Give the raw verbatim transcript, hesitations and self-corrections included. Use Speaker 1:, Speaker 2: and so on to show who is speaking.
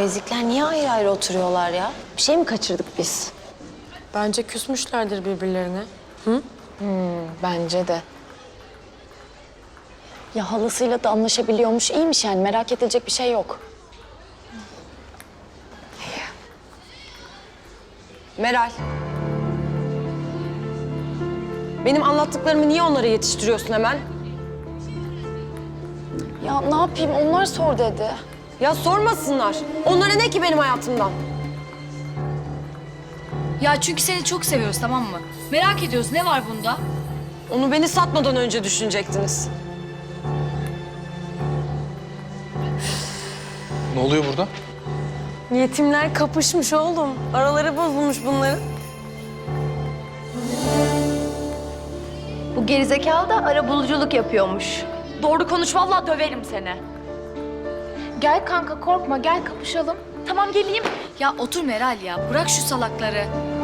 Speaker 1: ezikler niye ayrı ayrı oturuyorlar ya? Bir şey mi kaçırdık biz?
Speaker 2: Bence küsmüşlerdir birbirlerine.
Speaker 1: Bence de. Ya halasıyla da anlaşabiliyormuş. İyiymiş yani. Merak edilecek bir şey yok.
Speaker 2: Meral. Benim anlattıklarımı niye onlara yetiştiriyorsun hemen?
Speaker 1: Ya ne yapayım? Onlar sor dedi.
Speaker 2: Ya sormasınlar. Onlara ne ki benim hayatımdan?
Speaker 3: Ya çünkü seni çok seviyoruz, tamam mı? Merak ediyoruz, ne var bunda?
Speaker 2: Onu beni satmadan önce düşünecektiniz.
Speaker 4: Ne oluyor burada?
Speaker 2: Yetimler kapışmış oğlum. Araları bozulmuş bunların.
Speaker 5: Bu gerizekalı da arabuluculuk yapıyormuş.
Speaker 3: Doğru konuş, vallahi döverim seni.
Speaker 5: Gel kanka korkma gel kapışalım.
Speaker 3: Tamam geleyim. Ya otur Meral ya, bırak şu salakları.